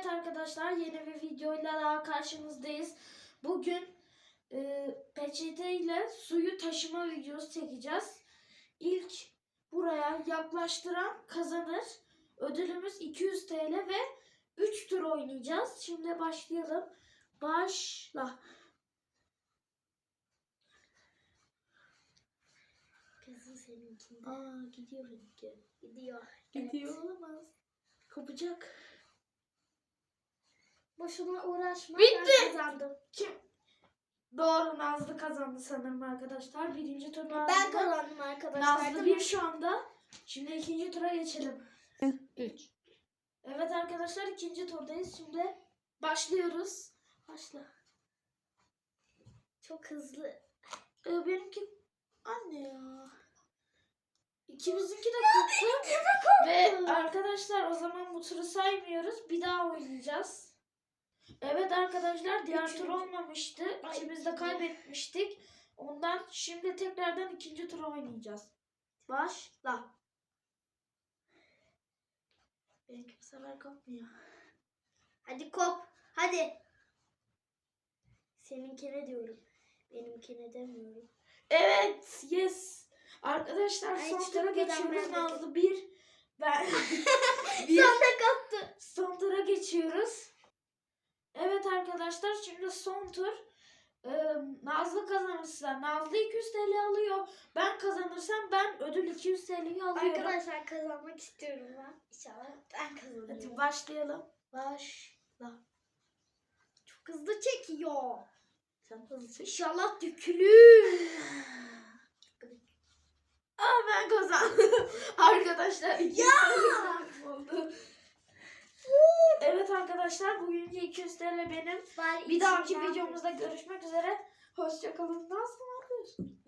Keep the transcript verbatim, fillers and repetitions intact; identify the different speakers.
Speaker 1: Evet arkadaşlar, yeni bir videoyla daha karşınızdayız. Bugün e, peçete ile suyu taşıma videosu çekeceğiz. İlk buraya yaklaştıran kazanır. Ödülümüz iki yüz T L ve üç tur oynayacağız. Şimdi başlayalım. Başla.
Speaker 2: Kızım seninkinde.
Speaker 1: Aa, gidiyor benimki.
Speaker 2: Gidiyor.
Speaker 1: Gidiyor
Speaker 2: Evet.
Speaker 1: olamaz. Kopacak.
Speaker 2: Boşuna uğraşma.
Speaker 1: Bitti.
Speaker 2: Ben kazandım.
Speaker 1: Kim? Doğru, Nazlı kazandı sanırım arkadaşlar. Birinci tur Nazlı.
Speaker 2: Ben kazandım arkadaşlar.
Speaker 1: Nazlı bir şu anda. Şimdi ikinci tura geçelim.
Speaker 2: üç.
Speaker 1: Evet arkadaşlar, ikinci turdayız. Şimdi başlıyoruz. Başla.
Speaker 2: Çok hızlı.
Speaker 1: Ee, benimki anne ya. İkimizinki de koptu. Ve arkadaşlar, o zaman bu turu saymıyoruz. Bir daha oynayacağız. Evet arkadaşlar, diğer
Speaker 2: Üçüncü.
Speaker 1: tur olmamıştı.
Speaker 2: Ay,
Speaker 1: İkimiz de
Speaker 2: ikinci.
Speaker 1: kaybetmiştik. Ondan şimdi tekrardan ikinci turu oynayacağız. Başla. Benimki bu sefer kopmuyor.
Speaker 2: Hadi kop. Hadi. Seninkine diyorum. Benimkine demiyorum.
Speaker 1: Evet, yes. Arkadaşlar,
Speaker 2: Ay,
Speaker 1: son
Speaker 2: hiç
Speaker 1: tura
Speaker 2: kopmadan
Speaker 1: geçiyoruz.
Speaker 2: ben de-
Speaker 1: Nazlı bir. Ben bir.
Speaker 2: Son da koptu.
Speaker 1: Son tura geçiyoruz. Evet arkadaşlar, şimdi son tur. Ee, Nazlı kazanırsa Nazlı iki yüz T L alıyor. Ben kazanırsam ben ödül iki yüz T L'yi alıyorum.
Speaker 2: Arkadaşlar kazanmak istiyorum ben. İnşallah ben kazanırım.
Speaker 1: Hadi başlayalım. Başla.
Speaker 2: Çok hızlı çekiyor.
Speaker 1: Sen hızlı çek.
Speaker 2: İnşallah dökülür.
Speaker 1: Aa, ben kazandım. Arkadaşlar iki yüz T L oldu. Evet arkadaşlar, bugünkü iki yüz T L benim.
Speaker 2: Bari
Speaker 1: Bir dahaki
Speaker 2: içinden-
Speaker 1: videomuzda görüşmek üzere. Hoşçakalın. Nasıl yapıyorsun?